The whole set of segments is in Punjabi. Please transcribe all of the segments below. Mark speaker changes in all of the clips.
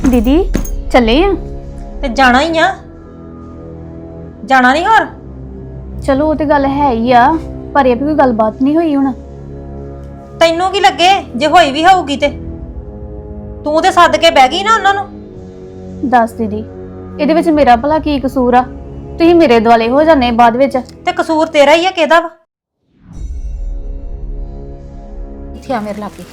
Speaker 1: दीदी चले आ
Speaker 2: ਤੇ ਜਾਣਾ ਹੀ ਆ ਜਾਣਾ ਨਹੀਂ ਹੋਰ
Speaker 1: चलो वो तो गल है ही आ पर ये भी कोई गलबात नहीं हुई हुण
Speaker 2: ਤੈਨੂੰ ਕੀ ਲੱਗੇ ਜੇ ਹੋਈ ਵੀ ਹੋਊਗੀ ਤੇ ਤੂੰ ਤੇ ਸੱਦ ਕੇ ਬਹਿ ਗਈ ਨਾ ਉਹਨਾਂ ਨੂੰ।
Speaker 1: दस दीदी ਇਹਦੇ ਵਿੱਚ ਮੇਰਾ ਭਲਾ ਕੀ ਕਸੂਰ ਆ ਤੁਸੀਂ ਮੇਰੇ ਦੁਆਲੇ ਹੋ ਜਾਂਦੇ ਬਾਅਦ ਵਿੱਚ
Speaker 2: ਤੇ ਕਸੂਰ ਤੇਰਾ ਹੀ ਆ ਕਿਹਦਾ ਵਾ। ਇੱਥੇ ਆ ਮੇਰੇ ਲਾਗੇ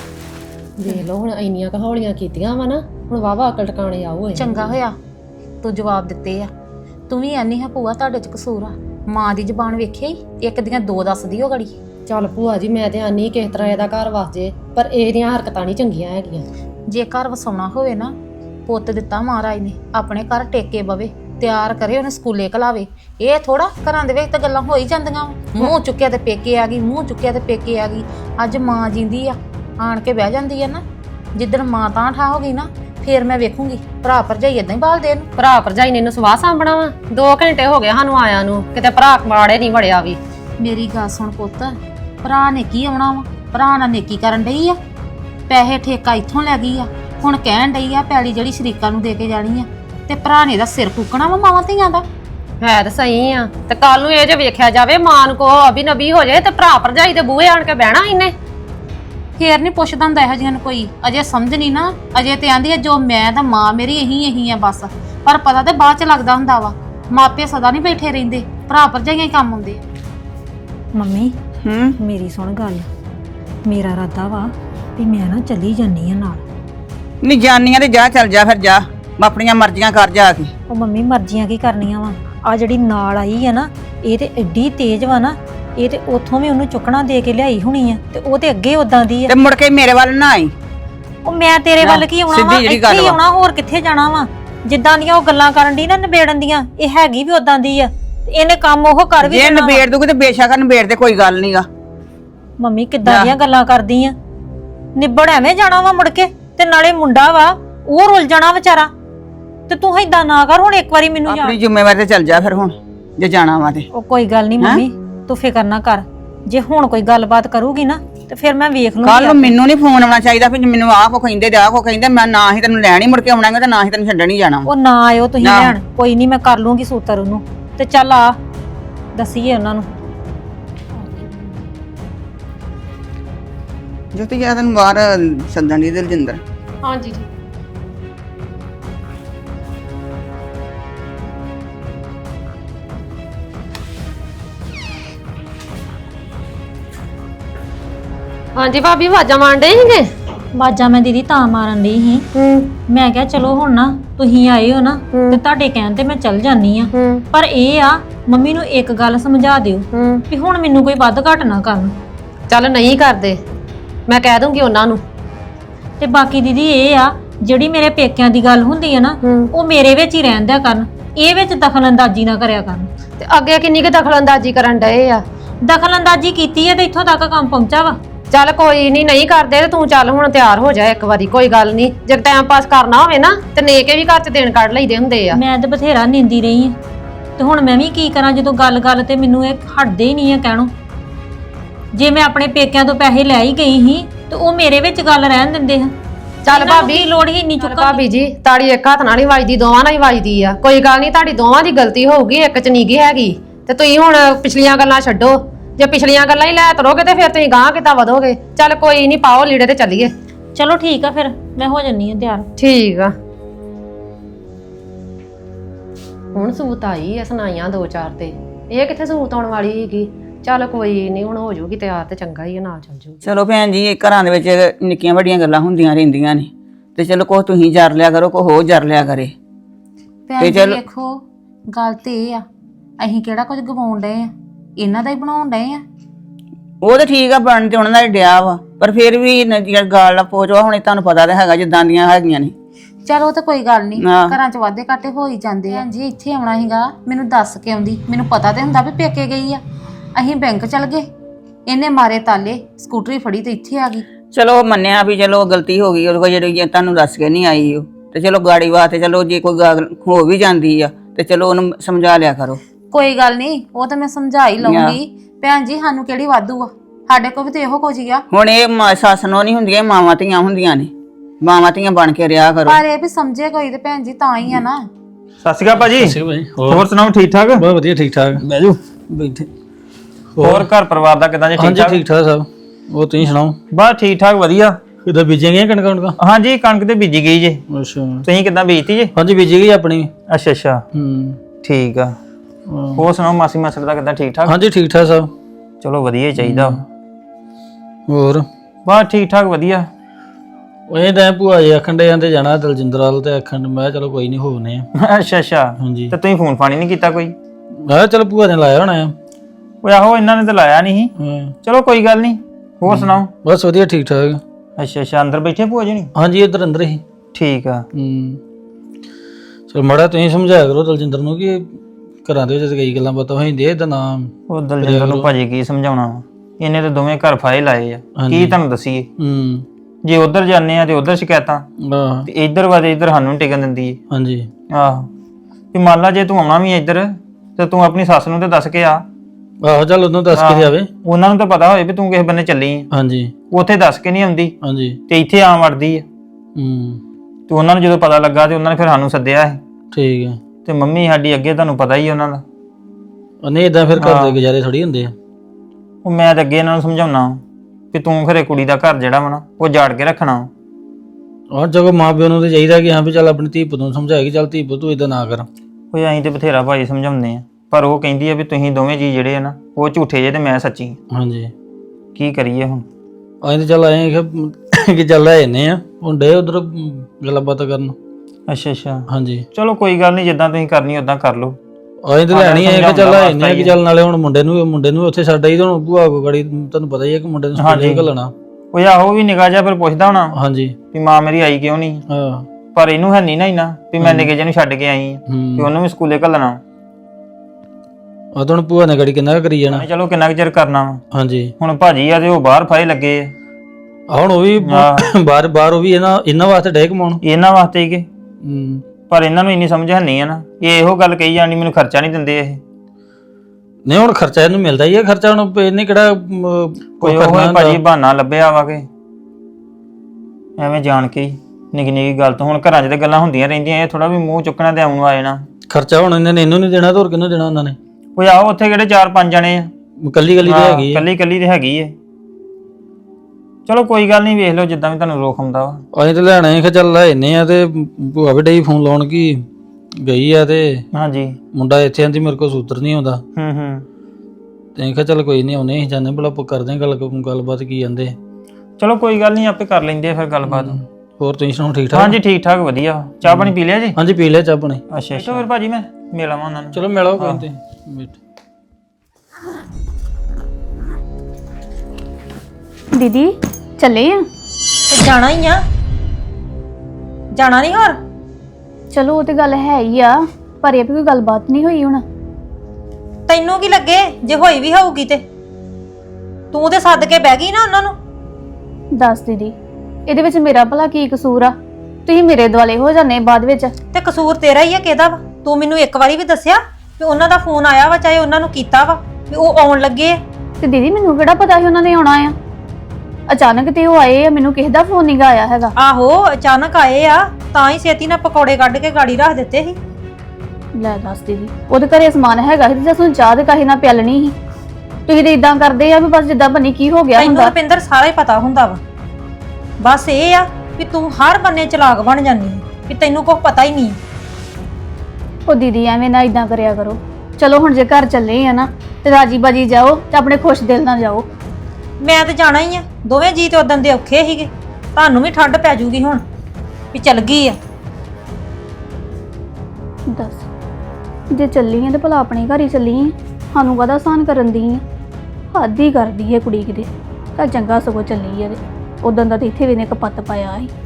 Speaker 3: ਦੇਖ ਲਓ ਹੁਣ ਇੰਨੀਆਂ ਕਹਾਣੀਆਂ ਕੀਤੀਆਂ ਵਾ ਨਾ ਹੁਣ ਵਾਵਾ ਅਕਲ ਟਿਕਾਣੇ ਆਓ
Speaker 2: ਚੰਗਾ ਹੋਇਆ ਤੂੰ ਜਵਾਬ ਦਿੱਤੇ ਆ। ਤੂੰ ਵੀ ਐਨੀ ਹੈ ਭੂਆ ਤੁਹਾਡੇ ਚ ਕਸੂਰ ਆ। ਮਾਂ ਦੀ ਜ਼ਬਾਨ ਵੇਖਿਆ ਹੀ ਇੱਕ ਦੀਆਂ ਦੋ ਦੱਸਦੀ ਉਹ ਗੜੀ।
Speaker 3: ਚੱਲ ਭੂਆ ਜੀ ਮੈਂ ਤੇ ਆਨੀ ਕਿਸ ਤਰ੍ਹਾਂ ਇਹਦਾ ਘਰ ਵਸ ਜੇ ਪਰ ਇਹਦੀਆਂ ਹਰਕਤਾਂ ਨਹੀਂ ਚੰਗੀਆਂ ਹੈਗੀਆਂ।
Speaker 2: ਜੇ ਘਰ ਵਸਾਉਣਾ ਹੋਵੇ ਨਾ ਪੁੱਤ ਦਿੱਤਾ ਮਹਾਰਾਜ ਨੇ ਆਪਣੇ ਘਰ ਟੇਕੇ ਬਵੇ ਤਿਆਰ ਕਰੇ ਉਹਨੇ ਸਕੂਲੇ ਘਲਾਵੇ। ਇਹ ਥੋੜਾ ਘਰਾਂ ਦੇ ਵਿੱਚ ਤਾਂ ਗੱਲਾਂ ਹੋ ਹੀ ਜਾਂਦੀਆਂ ਮੂੰਹ ਚੁੱਕਿਆ ਤੇ ਪੇਕੇ ਆ ਗਈ ਮੂੰਹ ਚੁੱਕਿਆ ਤੇ ਪੇਕੇ ਆ ਗਈ। ਅੱਜ ਮਾਂ ਜਿੰਦੀ ਆ ਆਣ ਕੇ ਬਹਿ ਜਾਂਦੀ ਆ ਨਾ। ਜਿੱਦਣ ਮਾਂ ਤਾਂ ਠਾ ਹੋ ਗਈ ਨਾ ਫੇਰ ਮੈਂ ਵੇਖੂੰਗੀ ਭਰਾ ਭਰਜਾਈ ਏਦਾਂ ਹੀ ਬਾਲ ਦੇਣ।
Speaker 3: ਭਰਾ ਭਰਜਾਈ ਨੇ ਇਹਨੂੰ ਸਵਾਹ ਸਾਂਭਣਾ ਵਾ 2 ਘੰਟੇ ਹੋ ਗਏ ਸਾਨੂੰ ਆਇਆਂ ਨੂੰ ਕਿਤੇ ਭਰਾ ਮਾੜੇ ਨਹੀਂ ਵੜਿਆ ਵੀ।
Speaker 2: ਮੇਰੀ ਗੱਲ ਸੁਣ ਪੁੱਤ ਭਰਾ ਨੇ ਕੀ ਆਉਣਾ ਵਾ ਭਰਾ ਨਾਲ ਨੇਕੀ ਕਰਨ ਡਈ ਆ। ਪੈਸੇ ਠੇਕਾ ਇੱਥੋਂ ਲੈ ਗਈ ਆ ਹੁਣ ਕਹਿਣ ਡਈ ਆ ਪੈਲੀ ਜਿਹੜੀ ਸ਼ਰੀਕਾਂ ਨੂੰ ਦੇ ਕੇ ਜਾਣੀ ਆ ਤੇ ਭਰਾ ਨੇ ਦਾ ਸਿਰ ਫੂਕਣਾ ਵਾ ਮਾਵਾਂ ਧੀਆਂ ਦਾ।
Speaker 3: ਹੈ ਤਾਂ ਸਹੀ ਆ ਤੇ ਕੱਲ ਨੂੰ ਇਹ ਜੇ ਵੇਖਿਆ ਜਾਵੇ ਮਾਂ ਨੂੰ ਕੋ ਅਭੀ ਨਬੀ ਹੋ ਜਾਏ ਤੇ ਭਰਾ ਭਰਜਾਈ ਦੇ ਬੂਹੇ ਆਣ ਕੇ ਬਹਿਣਾ ਇਹਨੇ।
Speaker 2: ਫੇਰ ਨਹੀਂ ਪੁੱਛਦਾ ਹੁੰਦਾ ਇਹੋ ਜਿਹੀਆਂ ਨੂੰ ਕੋਈ। ਅਜੇ ਸਮਝ ਨਹੀਂ ਨਾ ਅਜੇ ਤੇ ਆਂਦੀ ਆ ਜੋ ਮੈਂ ਤਾਂ ਮਾਂ ਮੇਰੀ ਇਹੀ ਆ ਬਸ। ਪਰ ਪਤਾ ਤੇ ਬਾਅਦ ਚ ਲੱਗਦਾ ਹੁੰਦਾ ਵਾ ਮਾਪੇ ਸਦਾ ਨਹੀਂ ਬੈਠੇ ਰਹਿੰਦੇ ਭਰਾ ਭਰਜਾਈਆਂ ਹੀ ਕੰਮ ਆਉਂਦੇ ਆ।
Speaker 4: ਮੰਮੀ ਮੇਰੀ ਸੁਣ ਗੱਲ। ਮੇਰਾ ਇਰਾਦਾ ਵਾ ਵੀ ਮੈਂ ਨਾ ਚਲੀ ਜਾਨੀ ਆ ਨਾਲ।
Speaker 5: ਨਹੀਂ ਜਾਨੀਆਂ ਤੇ ਜਾ ਚੱਲ ਜਾ ਫਿਰ ਜਾ ਆਪਣੀਆਂ ਮਰਜ਼ੀਆਂ ਕਰ ਜਾ ਕੇ।
Speaker 4: ਉਹ ਮੰਮੀ ਮਰਜ਼ੀਆਂ ਕੀ ਕਰਨੀਆਂ ਵਾ ਆ ਜਿਹੜੀ ਨਾਲ ਆਈ ਆ ਨਾ ਇਹ ਤੇ ਐਡੀ ਤੇਜ਼ ਵਾ ਨਾ ਇਹ ਤੇ ਉੱਥੋਂ ਵੀ ਉਹਨੂੰ ਚੁੱਕਣਾ ਦੇ ਕੇ ਲਿਆਈ ਹੋਣੀ ਆ ਤੇ ਉਹ ਤੇ ਅੱਗੇ ਉਦਾਂ ਦੀ ਆ।
Speaker 5: ਤੇ ਮੁੜ ਕੇ ਮੇਰੇ ਵੱਲ ਨਾ ਆਈ।
Speaker 4: ਉਹ ਮੈਂ ਤੇਰੇ ਵੱਲ ਕੀ ਆਉਣਾ ਵਾ ਇੱਥੇ ਹੀ ਆਉਣਾ ਹੋਰ ਕਿੱਥੇ ਜਾਣਾ ਵਾ। ਜਿੱਦਾਂ ਦੀਆਂ ਉਹ ਗੱਲਾਂ ਕਰਨ ਦੀ ਨਾ ਨਿਬੇੜਨ ਦੀਆਂ ਇਹ ਹੈਗੀ ਵੀ ਉਦਾਂ ਦੀ ਆ ਇਹਨੇ ਕੰਮ ਉਹ ਕਰ ਵੀ
Speaker 5: ਜੇ ਨਿਬੇੜ ਦੂਗੀ ਤੇ ਬੇਸ਼ੱਕ ਨਿਬੇੜ ਦੇ ਕੋਈ ਗੱਲ ਨਹੀਂਗਾ।
Speaker 4: ਮੰਮੀ ਕਿੱਦਾਂ ਦੀਆਂ ਗੱਲਾਂ ਕਰਦੀ ਆ ਨਿਬੜ ਐਵੇਂ ਜਾਣਾ ਵਾ ਮੁੜ ਕੇ ਤੇ ਨਾਲੇ ਮੁੰਡਾ ਵਾ ਉਹ ਰੁੱਲ ਜਾਣਾ ਵਿਚਾਰਾ ਤੇ ਤੂੰ ਏਦਾਂ ਨਾ ਕਰ ਹੁਣ ਇੱਕ ਵਾਰੀ ਮੈਨੂੰ
Speaker 5: ਆਪਣੀ ਜ਼ਿੰਮੇਵਾਰੀ ਤੇ ਚੱਲ ਜਾ ਫਿਰ ਹੁਣ ਜੇ ਜਾਣਾ ਵਾ ਤੇ।
Speaker 4: ਉਹ ਕੋਈ ਗੱਲ ਨਹੀਂ ਮੰਮੀ ਤੂੰ ਫਿਕਰ ਨਾ ਕਰ ਜੇ ਹੁਣ ਕੋਈ ਗੱਲਬਾਤ ਕਰੂਗੀ ਨਾ ਤੇ ਫਿਰ ਮੈਂ ਵੇਖ ਲੂੰਗੀ।
Speaker 5: ਕੱਲ ਮੈਨੂੰ ਨਹੀਂ ਫੋਨ ਆਉਣਾ ਚਾਹੀਦਾ ਵੀ ਮੈਨੂੰ ਆਹ ਕੋ ਕਹਿੰਦੇ ਤੇ ਆਹ ਕੋ ਕਹਿੰਦੇ ਮੈਂ ਨਾ ਹੀ ਤੈਨੂੰ ਲੈਣ ਹੀ ਮੁੜ ਕੇ ਆਉਣਾਗਾ ਤੇ ਨਾ ਹੀ ਤੈਨੂੰ ਛੱਡਣ ਹੀ ਜਾਣਾ।
Speaker 4: ਉਹ ਨਾ ਆਇਓ ਤੁਸੀਂ ਲੈਣ ਕੋਈ ਨਹੀਂ ਮੈਂ ਕਰ ਲੂੰਗੀ ਸੂਤਰ ਉਹਨੂੰ ਤੇ ਚੱਲ ਆ ਦਸੀਏ ਉਹਨਾਂ ਨੂੰ।
Speaker 5: ਜੋਤੀ ਜਾ ਤੈਨੂੰ ਬਾਹਰ ਸੱਦਣ ਦੀ ਦਲਜਿੰਦਰ।
Speaker 3: ਹਾਂਜੀ ਜੀ ਹਾਂਜੀ ਭਾਬੀ ਆਵਾਜ਼ਾਂ ਮਾਰਨ ਡੇ ਸੀਗੇ।
Speaker 4: ਬਾਜਾਂ ਮੈਂ ਦੀਦੀ ਤਾਂ ਮਾਰਨ ਲਈ ਸੀ ਮੈਂ ਕਿਹਾ ਚਲੋ ਹੁਣ ਨਾ ਤੁਸੀਂ ਆਏ ਹੋ ਨਾ ਤੇ ਤੁਹਾਡੇ ਕਹਿਣ ਤੇ ਮੈਂ ਚੱਲ ਜਾਨੀ ਆ ਪਰ ਇਹ ਆ ਮੰਮੀ ਨੂੰ ਇੱਕ ਗੱਲ ਸਮਝਾ ਦਿਓ ਵੀ ਹੁਣ ਮੈਨੂੰ ਕੋਈ ਵੱਧ ਘੱਟ ਨਾ ਕਰਨ।
Speaker 3: ਚੱਲ ਨਹੀਂ ਕਰਦੇ ਮੈਂ ਕਹਿ ਦੂੰਗੀ ਉਹਨਾਂ ਨੂੰ।
Speaker 4: ਤੇ ਬਾਕੀ ਦੀਦੀ ਇਹ ਆ ਜਿਹੜੀ ਮੇਰੇ ਪੇਕਿਆਂ ਦੀ ਗੱਲ ਹੁੰਦੀ ਹੈ ਨਾ ਉਹ ਮੇਰੇ ਵਿੱਚ ਹੀ ਰਹਿਣ ਦਿਆ ਕਰਨ ਇਹ ਵਿੱਚ ਦਖਲਅੰਦਾਜ਼ੀ ਨਾ ਕਰਿਆ ਕਰਨ।
Speaker 3: ਤੇ ਅੱਗੇ ਕਿੰਨੀ ਕੁ ਦਖਲਅੰਦਾਜ਼ੀ ਕਰਨ ਡਏ ਆ।
Speaker 4: ਦਖਲਅੰਦਾਜ਼ੀ ਕੀਤੀ ਹੈ ਤੇ ਇੱਥੋਂ ਤੱਕ ਕੰਮ ਪਹੁੰਚਾ ਵਾ।
Speaker 3: ਚੱਲ ਕੋਈ ਨਹੀਂ ਨਹੀਂ ਕਰਦੇ ਤੇ ਤੂੰ ਚੱਲ ਹੁਣ ਤਿਆਰ ਹੋ ਜਾ ਇੱਕ ਵਾਰੀ ਕੋਈ ਗੱਲ ਨਹੀਂ। ਜੇ ਟਾਈਮ ਪਾਸ ਕਰਨਾ ਹੋਵੇ ਨਾ ਤੇ ਨੇਕੇ ਵੀ ਘਰ ਚ ਦੇਣ ਕੱਢ ਲਈਦੇ ਹੁੰਦੇ ਆ।
Speaker 4: ਮੈਂ ਤਾਂ ਬਥੇਰਾ ਨਿੰਦੀ ਰਹੀ ਆ ਤੇ ਹੁਣ ਮੈਂ ਵੀ ਕੀ ਕਰਾਂ ਜਦੋਂ ਗੱਲ ਤੇ ਮੈਨੂੰ ਇਹ ਹਟਦੇ ਹੀ ਨਹੀਂ ਆ ਕਹਿਣੋਂ। ਜੇ ਮੈਂ ਆਪਣੇ ਪੇਕਿਆਂ ਤੋਂ ਪੈਸੇ ਲੈ ਹੀ ਗਈ ਸੀ ਤੇ ਉਹ ਮੇਰੇ ਵਿੱਚ ਗੱਲ ਰਹਿਣ ਦਿੰਦੇ ਆ।
Speaker 3: ਚੱਲ ਭਾਬੀ
Speaker 4: ਲੋੜ ਹੀ ਨਹੀਂ ਚੁੱਕਾ
Speaker 3: ਭਾਬੀ ਜੀ ਤਾੜੀ ਇੱਕ ਹੱਥ ਨਾਲ ਹੀ ਵੱਜਦੀ ਦੋਵਾਂ ਨਾਲ ਹੀ ਵੱਜਦੀ ਆ। ਕੋਈ ਗੱਲ ਨਹੀਂ ਤੁਹਾਡੀ ਦੋਵਾਂ ਦੀ ਗਲਤੀ ਹੋਊਗੀ ਇੱਕ ਚ ਨੀਗੀ ਹੈਗੀ ਤੇ ਤੁਸੀਂ ਹੁਣ ਪਿਛਲੀਆਂ ਗੱਲਾਂ ਛੱਡੋ। ਜੇ ਪਿਛਲੀਆਂ ਗੱਲਾਂ ਹੀ ਲੈ ਤਰੋਗੇ ਤੇ ਫਿਰ ਤੁਸੀਂ ਗਾਂਹ ਕਿੱਦਾਂ ਵਧੋਗੇ। ਚੱਲ ਕੋਈ ਨਹੀਂ ਪਾਓ ਲੀੜੇ ਤੇ ਚੱਲੀਏ।
Speaker 4: ਚਲੋ ਠੀਕ ਆ ਫਿਰ ਮੈਂ ਹੋ ਜੰਨੀ ਆ ਤਿਆਰ।
Speaker 3: ਠੀਕ ਆ ਹੁਣ ਸੂਤ ਆਈ ਐ ਸੁਣਾਈਆਂ 2-4 ਤੇ ਇਹ ਕਿੱਥੇ ਸੂਤ ਆਉਣ ਵਾਲੀ ਸੀਗੀ। ਚੱਲ ਕੋਈ ਨਹੀਂ ਹੁਣ ਹੋ ਜਾਊਗੀ ਤਿਆਰ ਤੇ ਚੰਗਾ ਹੀ ਨਾਲ ਚੱਲ ਜਾਊਗੀ।
Speaker 5: ਚਲੋ ਭੈਣ ਜੀ ਘਰਾਂ ਦੇ ਵਿੱਚ ਨਿੱਕੀਆਂ ਵੱਡੀਆਂ ਗੱਲਾਂ ਹੁੰਦੀਆਂ ਰਹਿੰਦੀਆਂ ਨੇ ਤੇ ਚਲੋ ਕੋ ਤੁਸੀਂ ਜਰ ਲਿਆ ਕਰੋ ਕੋ ਹੋ ਜਰ ਲਿਆ ਕਰੇ।
Speaker 2: ਭੈਣ ਜੀ ਦੇਖੋ ਗੱਲ ਤੇ ਇਹ ਆ ਅਸੀਂ ਕਿਹੜਾ ਕੁਝ ਗਵਾਉਣ ਡਏ ਆ ਇਹਨਾਂ ਦਾ ਹੀ ਬਣਾਉਣ ਡਏ ਆ।
Speaker 5: ਉਹ ਤਾਂ ਠੀਕ ਆ ਬਣ ਤੇ ਉਹਨਾਂ ਦਾ ਡਿਆ ਵਾ ਪਰ ਫਿਰ ਵੀ ਗਾਲ ਦਾ ਪੋਚਵਾ ਹੁਣ ਤੁਹਾਨੂੰ ਪਤਾ ਤਾਂ ਹੈਗਾ ਜਿੱਦਾਂ ਦੀਆਂ ਹੈਗੀਆਂ ਨੇ।
Speaker 2: ਚਲੋ ਤਾਂ ਕੋਈ ਗੱਲ ਨਹੀਂ ਘਰਾਂ 'ਚ ਵਾਧੇ ਘਾਟੇ ਹੋ ਹੀ ਜਾਂਦੇ ਆ। ਜੀ ਇੱਥੇ ਆਉਣਾ ਸੀਗਾ ਮੈਨੂੰ ਦੱਸ ਕੇ ਆਉਂਦੀ ਮੈਨੂੰ ਪਤਾ ਤੇ ਹੁੰਦਾ ਵੀ ਪੇਕੇ ਗਈ ਆ। ਅਸੀਂ ਬੈਂਕ ਚਲ ਗਏ ਇਹਨੇ ਮਾਰੇ ਤਾਲੇ ਸਕੂਟਰੀ ਫੜੀ ਤੇ ਇੱਥੇ ਆ ਗਈ।
Speaker 5: ਚਲੋ ਮੰਨਿਆ ਵੀ ਚਲੋ ਗਲਤੀ ਹੋ ਗਈ ਉਹਦੇ ਕੋਲ ਜਿਹੜੀ ਤੁਹਾਨੂੰ ਦੱਸ ਕੇ ਨਹੀਂ ਆਈ ਉਹ ਤੇ ਚਲੋ ਗਾੜੀ ਵਾਸਤੇ ਚਲੋ ਜੇ ਕੋਈ ਗੱਲ ਹੋ ਵੀ ਜਾਂਦੀ ਆ ਤੇ ਚਲੋ ਉਹਨੂੰ ਸਮਝਾ ਲਿਆ ਕਰੋ।
Speaker 2: ਕੋਈ ਗੱਲ ਨਹੀਂ ਉਹ ਤਾਂ ਮੈਂ ਸਮਝਾ ਹੀ ਲਊਂਗੀ। ਭੈਣ ਜੀ ਸਾਨੂੰ ਕਿਹੜੀ ਵਾਧੂ ਆ ਸਾਡੇ ਕੋਲ ਵੀ ਤੇ ਇਹੋ ਕੁਝ ਹੀ ਆ।
Speaker 5: ਹੁਣ ਇਹ ਸੱਸ ਨੂੰ ਨਹੀਂ ਹੁੰਦੀਆਂ ਮਾਵਾਂ ਧੀਆਂ ਹੁੰਦੀਆਂ ਨੇ ਮਾਵਾਂ ਧੀਆਂ ਬਣ ਕੇ ਰਿਹਾ ਕਰੋ।
Speaker 2: ਪਰ ਇਹ ਵੀ ਸਮਝੇ ਕੋਈ ਤੇ ਭੈਣ ਜੀ ਤਾਂ ਹੀ ਆ ਨਾ।
Speaker 6: ਸਤਿ ਸ਼੍ਰੀ ਅਕਾਲ ਭਾਜੀ। ਹੋਰ ਸੁਣਾਓ, ਠੀਕ ਠਾਕ?
Speaker 7: ਬਹੁਤ ਵਧੀਆ, ਠੀਕ ਠਾਕ।
Speaker 6: ਬਹਿ ਜਾਓ।
Speaker 7: ਬੈਠੇ।
Speaker 6: ਹੋਰ ਘਰ ਪਰਿਵਾਰ ਦਾ ਕਿਦਾਂ ਜੀ? ਠੀਕ
Speaker 7: ਹਾਂਜੀ
Speaker 6: ਠਾਕ?
Speaker 7: ਠੀਕ ਠਾਕ ਸਭ। ਉਹ ਤੁਸੀਂ ਸੁਣਾਓ,
Speaker 6: ਬਸ ਠੀਕ ਠਾਕ ਵਧੀਆ।
Speaker 7: ਕਿੱਦਾਂ ਬੀਜੀਆਂ ਗਈਆਂ ਕਣਕਾਂ ਕਣਕਾਂ?
Speaker 6: ਹਾਂਜੀ ਕਣਕ ਤੇ ਬੀਜੀ ਗਈ ਜੇ।
Speaker 7: ਅੱਛਾ।
Speaker 6: ਤੁਸੀਂ ਕਿਦਾਂ ਬੀਜਤੀ ਜੇ?
Speaker 7: ਹਾਂਜੀ ਬੀਜੀ ਗਈ ਆਪਣੀ।
Speaker 6: ਅੱਛਾ ਅੱਛਾ
Speaker 7: ਹੂੰ।
Speaker 6: ਠੀਕ ਆ। ਹੋਰ ਸੁਣਾਓ, ਮਾਸੀ ਮਾਸੜ ਦਾ ਕਿਦਾਂ? ਠੀਕ ਠਾਕ?
Speaker 7: ਹਾਂਜੀ ਠੀਕ ਠਾਕ ਸਭ।
Speaker 6: ਚਲੋ ਵਧੀਆ ਹੀ ਚਾਹੀਦਾ।
Speaker 7: ਹੋਰ
Speaker 6: ਬਸ ਠੀਕ ਠਾਕ ਵਧੀਆ।
Speaker 7: ਉਹ ਇਹ ਤਾਂ ਭੂਆ ਜੀ ਆਖਣ ਦੇ ਜਾਂਦੇ ਜਾਣਾ ਦਲਜਿੰਦਰ ਵਾਲ ਤੇ ਆਖਣ ਮੈਂ ਕਿਹਾ ਚਲੋ ਕੋਈ ਨਹੀਂ ਹੋਣੇ ਆ।
Speaker 6: ਅੱਛਾ ਅੱਛਾ।
Speaker 7: ਹਾਂਜੀ।
Speaker 6: ਤੇ ਤੁਸੀਂ ਫੋਨ ਫਾਨੀ ਨਹੀਂ ਕੀਤਾ ਕੋਈ?
Speaker 7: ਮੈਂ ਕਿਹਾ ਚਲੋ ਭੂਆ ਨੇ ਲਾਇਆ ਹੋਣਾ ਆ।
Speaker 6: ਉਹ ਆਹੋ ਇਹਨਾਂ ਨੇ ਤਾਂ ਲਾਇਆ ਨਹੀਂ ਸੀ।
Speaker 7: ਹਾਂ।
Speaker 6: ਚਲੋ ਕੋਈ ਗੱਲ ਨਹੀਂ। ਹੋਰ ਸੁਣਾਓ?
Speaker 7: ਬਸ ਵਧੀਆ ਠੀਕ ਠਾਕ।
Speaker 6: ਅੱਛਾ ਅੱਛਾ, ਅੰਦਰ ਬੈਠੇ ਭੂਆ ਜੀ ਨਹੀਂ?
Speaker 7: ਹਾਂਜੀ ਇੱਧਰ ਅੰਦਰ ਹੀ।
Speaker 6: ਠੀਕ ਆ।
Speaker 7: ਹੂੰ। ਚਲ ਮਾੜਾ ਤੁਸੀਂ ਸਮਝਾਇਆ ਕਰੋ ਦਲਜਿੰਦਰ ਨੂੰ ਕਿ ਘਰਾਂ ਦੇ ਵਿੱਚ ਕਈ ਗੱਲਾਂ ਬਾਤਾਂ ਹੋ ਜਾਂਦੀਆਂ ਇਹਦਾ ਨਾਮ।
Speaker 6: ਉਹ ਦਲਜਿੰਦਰ ਨੂੰ ਭਾਜੀ ਕੀ ਸਮਝਾਉਣਾ ਵਾ? ਇਹਨੇ ਤਾਂ ਦੋਵੇਂ ਘਰ ਫਾਇ ਲਾਏ ਆ। ਕੀ ਤੁਹਾਨੂੰ ਦਸੀਏ?
Speaker 7: ਹੂੰ।
Speaker 6: ਜੇ ਉਧਰ ਜਾਂਦੇ ਆ ਤੇ ਉਧਰ ਸ਼ਿਕਾਇਤਾਂ,
Speaker 7: ਆਹ
Speaker 6: ਤੇ ਇੱਧਰ ਵਾਜੇ ਇੱਧਰ ਸਾਨੂੰ ਨੀ ਟਿਕਣ ਦਿੰਦੀ ਏ।
Speaker 7: ਹਾਂਜੀ।
Speaker 6: ਆਹੋ ਵੀ ਮੰਨ ਲਾ ਜੇ ਤੂੰ ਆਉਣਾ ਵੀ ਇੱਧਰ ਤੇ ਤੂੰ ਆਪਣੀ ਸੱਸ ਨੂੰ ਤੇ ਦੱਸ ਕੇ ਆ।
Speaker 7: ਆਹੋ ਚੱਲ ਉਹਨੂੰ ਦੱਸ ਕੇ ਜਾਵੇ।
Speaker 6: ਉਹਨਾਂ ਨੂੰ ਤਾਂ ਪਤਾ ਹੋਏ ਵੀ ਤੂੰ ਕਿਸੇ ਬੰਨੇ ਚੱਲੀ ਆ।
Speaker 7: ਹਾਂਜੀ
Speaker 6: ਉੱਥੇ ਦੱਸ ਕੇ ਨਹੀਂ ਆਉਂਦੀ
Speaker 7: ਹਾਂਜੀ।
Speaker 6: ਤੇ ਇੱਥੇ ਆ ਵੜਦੀ ਆ।
Speaker 7: ਹੂੰ।
Speaker 6: ਤੇ ਉਹਨਾਂ ਨੂੰ ਜਦੋਂ ਪਤਾ ਲੱਗਾ ਤੇ ਉਹਨਾਂ ਨੇ ਫਿਰ ਸਾਨੂੰ ਸੱਦਿਆ ਸੀ।
Speaker 7: ਠੀਕ ਹੈ।
Speaker 6: ਤੇ ਮੰਮੀ ਸਾਡੀ ਅੱਗੇ ਤੁਹਾਨੂੰ ਪਤਾ ਹੀ ਉਹਨਾਂ ਦਾ।
Speaker 7: ਉਹਨੇ ਇਦਾਂ ਫਿਰ ਘਰ ਦੇ ਗੁਜ਼ਾਰੇ ਥੋੜੀ ਹੁੰਦੇ ਆ।
Speaker 6: ਉਹ ਮੈਂ ਤਾਂ ਅੱਗੇ ਇਹਨਾਂ ਨੂੰ ਸਮਝਾਉਣਾ ਕਿ ਤੂੰ ਖਰੇ ਕੁੜੀ ਦਾ ਘਰ ਜਿਹੜਾ ਵਾ ਨਾ ਉਹ ਜਾੜ ਕੇ ਰੱਖਣਾ।
Speaker 7: ਔਰ ਜਦੋਂ ਮਾਂ ਪਿਓ ਨੂੰ ਤੇ ਚਾਹੀਦਾ ਕਿ ਹਾਂ ਵੀ ਚੱਲ ਆਪਣੀ ਧੀ ਪੁੱਤ ਨੂੰ ਸਮਝਾਏ ਕਿ ਚੱਲ ਧੀ ਪੁੱਤ ਤੂੰ ਇਦਾਂ ਨਾ ਕਰ।
Speaker 6: ਉਹ ਅਸੀਂ ਤੇ ਬਥੇਰਾ ਭਾਈ ਸਮਝਾਉਂਦੇ ਆ, ਪਰ ਉਹ ਕਹਿੰਦੀ ਆ ਵੀ ਤੁਸੀਂ ਦੋਵੇਂ ਜੀ ਜਿਹੜੇ ਆ ਨਾ ਉਹ ਝੂਠੇ ਜੇ ਤੇ ਮੈਂ ਸੱਚੀ।
Speaker 7: ਹਾਂਜੀ।
Speaker 6: ਕੀ ਕਰੀਏ ਹੁਣ?
Speaker 7: ਅਸੀਂ ਤੇ ਚੱਲ ਆਏ ਕਿ ਚੱਲ ਆਏ ਨੇ ਆ ਹੁਣ ਡੇ ਉਧਰ ਗੱਲਾਂ ਬਾਤਾਂ ਕਰਨ।
Speaker 6: ਅੱਛਾ ਅੱਛਾ।
Speaker 7: ਹਾਂਜੀ।
Speaker 6: ਚਲੋ ਕੋਈ ਗੱਲ ਨਹੀਂ, ਜਿੱਦਾਂ ਤੁਸੀਂ ਕਰਨੀ ਉਦਾਂ ਕਰ ਲਓ।
Speaker 7: ਅਸੀਂ ਤੇ ਲੈਣੀ ਹੈ ਕਿ ਚੱਲ ਆਏ ਨੇ ਕਿ ਚੱਲ ਨਾਲੇ ਹੁਣ ਮੁੰਡੇ ਨੂੰ ਉੱਥੇ ਛੱਡ ਆਈ ਤੇ ਹੁਣ ਭੂਆ ਕੋ ਗੜੀ ਤੁਹਾਨੂੰ ਪਤਾ ਹੀ ਹੈ ਕਿ ਮੁੰਡੇ ਨੂੰ ਸਕੂਲੇ ਘੱਲਣਾ।
Speaker 6: ਉਹ ਆਹੋ ਵੀ ਨਿਗਾਹ ਜਾ ਫਿਰ ਪੁੱਛਦਾ ਹੋਣਾ
Speaker 7: ਹਾਂਜੀ।
Speaker 6: ਵੀ ਮਾਂ ਮੇਰੀ ਆਈ ਕਿਉਂ ਨਹੀਂ।
Speaker 7: ਹਾਂ।
Speaker 6: ਪਰ ਇਹਨੂੰ ਹੈ ਨਹੀਂ ਨਾ ਇੰਨਾ ਵੀ ਮੈਂ ਨਿੱਕੇ ਜਿਹੇ ਨੂੰ ਛੱਡ ਕੇ ਆਈ ਆ ਤੇ ਉਹਨੂੰ ਵੀ ਸਕੂਲੇ ਘੱਲਣਾ।
Speaker 7: ਉਹ ਤਾਂ ਹੁਣ ਭੂਆ ਨੇ ਗੜੀ ਕਿੰਨਾ ਕਰੀ ਜਾਣਾ।
Speaker 6: ਚਲੋ ਕਿੰਨਾ ਕੁ ਚਿਰ ਕਰਨਾ ਵਾ।
Speaker 7: ਹਾਂਜੀ।
Speaker 6: ਹੁਣ ਭਾਜੀ ਆ ਤੇ ਉਹ ਬਾਹਰ ਫਾਏ ਲੱਗੇ ਆ।
Speaker 7: ਹੁਣ ਉਹ ਵੀ ਬਾਹਰ ਉਹ ਵੀ ਇਹਨਾਂ ਵਾਸਤੇ ਡੇ ਕਮਾਉਣ।
Speaker 6: ਇਹਨਾਂ ਵਾਸਤੇ ਹੀ ਕਿ
Speaker 7: ਹੂੰ।
Speaker 6: ਪਰ ਇਹਨਾਂ ਨੂੰ ਇੰਨੀ ਸਮਝ ਹੈ ਨਹੀਂ ਆ ਨਾ। ਇਹ ਇਹੋ ਗੱਲ ਕਹੀ ਜਾਣੀ ਮੈਨੂੰ ਖਰਚਾ ਨਹੀਂ ਦਿੰਦੇ ਇਹ।
Speaker 7: ਨਹੀਂ ਹੁਣ ਖਰਚਾ ਇਹਨੂੰ ਮਿਲਦਾ ਹੀ ਹੈ। ਖਰਚਾ ਹੁਣ ਇਹਨੇ ਕਿਹੜਾ
Speaker 6: ਕੋਈ ਉਹ ਭਾਜੀ ਬਹਾਨਾ ਲੱਭਿਆ ਵਾ ਕਿ ਐਵੇਂ ਜਾਣ ਕੇ ਹੀ ਨਿੱਕੀ ਨਿੱਕੀ ਗੱਲ ਤੋਂ। ਹੁਣ ਘਰਾਂ 'ਚ ਤੇ ਗੱਲਾਂ ਹੁੰਦੀਆਂ ਰਹਿੰਦੀਆਂ, ਇਹ ਥੋੜਾ ਵੀ ਮੂੰਹ ਚੁੱਕਣਾ ਤੇ ਆਉਣ ਆ ਜਾਣਾ।
Speaker 7: ਖਰਚਾ ਹੁਣ ਇਹਨਾਂ ਨੇ ਇਹਨੂੰ ਨਹੀਂ ਦੇਣਾ ਤੇ ਹੋਰ ਕਿਹਨੂੰ ਦੇਣਾ ਉਹਨਾਂ ਨੇ?
Speaker 6: ਕੋਈ ਆਓ ਉੱਥੇ ਕਿਹੜੇ 4-5 ਜਣੇ ਆ।
Speaker 7: ਕੱਲੀ ਤੇ ਹੈਗੀ ਹੈ।
Speaker 6: ਕੱਲੀ ਤੇ ਹੈਗੀ ਏ। ਚਲੋ ਕੋਈ ਗੱਲ ਨਹੀਂ, ਵੇਖ ਲਓ ਜਿੱਦਾਂ ਵੀ ਤੁਹਾਨੂੰ ਰੋਕ ਆਉਂਦਾ ਵਾ।
Speaker 7: ਅਸੀਂ ਤੇ ਲੈਣਾ ਹੈ ਕਿ ਚੱਲ ਲੈਨੇ ਆ ਤੇ ਭੂਆ ਵੀ ਡਈ ਫੋਨ ਲਾਉਣ ਕੀ ਗਈ ਆ ਤੇ
Speaker 6: ਹਾਂਜੀ
Speaker 7: ਮੁੰਡਾ ਇੱਥੇ ਆਂਦੀ ਮੇਰੇ ਕੋਲ ਸੂਤਰ ਨਹੀਂ ਆਉਂਦਾ।
Speaker 6: ਹੂੰ।
Speaker 7: ਤੇ ਕਿਹਾ ਚੱਲ ਕੋਈ ਨਹੀਂ ਆਉਨੇ ਅਸੀਂ ਜਾਂਦੇ ਭਲਾ ਕਰਦੇ ਹਾਂ ਗੱਲਬਾਤ ਕੀ ਜਾਂਦੇ।
Speaker 6: ਚਲੋ ਕੋਈ ਗੱਲ ਨਹੀਂ, ਆਪੇ ਕਰ ਲੈਂਦੇ ਆ ਫਿਰ ਗੱਲਬਾਤ।
Speaker 7: ਹੋਰ ਤੁਸੀਂ ਸੁਣਾਓ ਠੀਕ ਠਾਕ?
Speaker 6: ਹਾਂਜੀ ਠੀਕ ਠਾਕ ਵਧੀਆ। ਚਾਹ ਪਾਣੀ ਪੀ ਲਿਆ ਜੀ?
Speaker 7: ਹਾਂਜੀ ਪੀ ਲਿਆ ਚਾਹ ਪਾਣੀ।
Speaker 6: ਅੱਛਾ ਅੱਛਾ। ਫਿਰ ਭਾਜੀ ਮੈਂ ਮਿਲ ਆਵਾਂ ਉਹਨਾਂ ਨੂੰ।
Speaker 7: ਚਲੋ ਮਿਲੋ ਕੋਈ ਤੇ
Speaker 1: ਦੀਦੀ ਚੱਲੇ ਆ?
Speaker 4: ਤੇ ਜਾਣਾ ਹੀ ਆ, ਜਾਣਾ ਨਹੀਂ ਹੋਰ।
Speaker 1: ਚਲੋ ਉਹ ਤੇ ਗੱਲ ਹੈ ਹੀ ਆ, ਪਰ ਇਹ ਵੀ ਕੋਈ ਗੱਲਬਾਤ ਨਹੀਂ ਹੋਈ ਹੁਣ।
Speaker 4: ਤੈਨੂੰ ਕੀ ਲੱਗੇ ਜੇ ਹੋਈ ਵੀ ਹੋਊਗੀ ਤੇ ਤੂੰ ਤੇ ਸੱਦ ਕੇ ਬਹਿ ਗਈ ਨਾ ਉਹਨਾਂ ਨੂੰ।
Speaker 1: ਦੱਸ ਦੀਦੀ, ਇਹਦੇ ਵਿੱਚ ਮੇਰਾ ਭਲਾ ਕੀ ਕਸੂਰ ਆ? ਤੁਸੀਂ ਮੇਰੇ ਦੁਆਲੇ ਹੋ ਜਾਂਦੇ ਬਾਅਦ ਵਿੱਚ।
Speaker 4: ਤੇ ਕਸੂਰ ਤੇਰਾ ਹੀ ਆ। ਕਿਹਦਾ ਵਾ? ਤੂੰ ਮੈਨੂੰ ਇੱਕ ਵਾਰੀ ਵੀ ਦੱਸਿਆ ਵੀ ਉਹਨਾਂ ਦਾ ਫੋਨ ਆਇਆ ਵਾ, ਚਾਹੇ ਉਹਨਾਂ ਨੂੰ ਕੀਤਾ ਵਾ ਵੀ ਉਹ ਆਉਣ ਲੱਗੇ ਆ।
Speaker 1: ਤੇ ਦੀਦੀ ਮੈਨੂੰ ਕਿਹੜਾ ਪਤਾ ਸੀ ਉਹਨਾਂ ਨੇ ਆਉਣਾ ਆ? ਅਚਾਨਕ ਤੇ ਉਹ ਆਏ ਆ, ਮੈਨੂੰ ਕਿਸੇ ਦਾ ਫੋਨ ਨਹੀਂ ਆਇਆ ਹੈਗਾ।
Speaker 4: ਆਹੋ ਅਚਾਨਕ ਆਏ ਆ ਤਾਂ ਹੀ ਛੇਤੀ ਨਾਲ ਪਕੌੜੇ ਕੱਢ ਕੇ ਗਾੜੀ ਰੱਖ ਦਿੱਤੇ ਸੀ।
Speaker 1: ਲੈ ਦੱਸ ਦੀਦੀ, ਉਹਦੇ ਘਰੇ ਸਮਾਨ ਹੈਗਾ ਸੀ ਤੇ ਜਸੂੰ ਚਾਹ ਦੇ ਕਾਹੇ ਨਾਲ ਪਿਆਲਣੀ ਸੀ। ਤੁਸੀਂ ਤੇ ਇਦਾਂ ਕਰਦੇ ਆ ਵੀ ਬਸ ਜਿੱਦਾਂ ਬਣੀ ਕੀ ਹੋ ਗਿਆ
Speaker 4: ਤੈਨੂੰ
Speaker 1: ਹੁੰਦਾ।
Speaker 4: ਰੁਪਿੰਦਰ ਸਾਰਾ ਹੀ ਪਤਾ ਹੁੰਦਾ ਵਾ। ਬਸ ਇਹ ਆ ਵੀ ਤੂੰ ਹਰ ਬੰਨੇ ਚਲਾਕ ਬਣ ਜਾਂਦੀ ਹੈ ਵੀ ਤੈਨੂੰ ਕੁਝ ਪਤਾ ਹੀ ਨਹੀਂ।
Speaker 1: ਉਹ ਦੀਦੀ ਐਵੇਂ ਨਾ ਇਦਾਂ ਕਰਿਆ ਕਰੋ। ਚਲੋ ਹੁਣ ਜੇ ਘਰ ਚੱਲੇ ਆ ਨਾ ਤੇ ਰਾਜੀ ਬਾਜੀ ਜਾਓ ਤੇ ਆਪਣੇ ਖੁਸ਼ ਦਿਲ ਨਾਲ ਜਾਓ।
Speaker 4: ਮੈਂ ਤੇ ਜਾਣਾ ਹੀ ਆ। ਦੋਵੇਂ ਜੀ ਤੇ ਉਦੋਂ ਦੇ ਔਖੇ ਸੀਗੇ। ਤੁਹਾਨੂੰ ਵੀ ਠੰਡ ਪੈ ਜੂਗੀ ਹੁਣ ਵੀ ਚੱਲ ਗਈ ਆ।
Speaker 1: ਦੱਸ, ਜੇ ਚੱਲੀ ਆ ਤੇ ਭਲਾ ਆਪਣੇ ਘਰ ਹੀ ਚੱਲੀ ਆ। ਸਾਨੂੰ ਕਾਹਦਾ ਆਸਾਨ ਕਰਨ ਦੀ ਆ? ਹੱਦ ਹੀ ਕਰਦੀ ਹੈ ਕੁੜੀ ਕਿਤੇ। ਤਾਂ ਚੰਗਾ ਸਗੋਂ ਚੱਲੀ ਆ ਤੇ ਉਦੋਂ ਦਾ ਤੇ ਇੱਥੇ ਵੀ ਨੇ ਕਪੱਤ ਪਾਇਆ ਸੀ।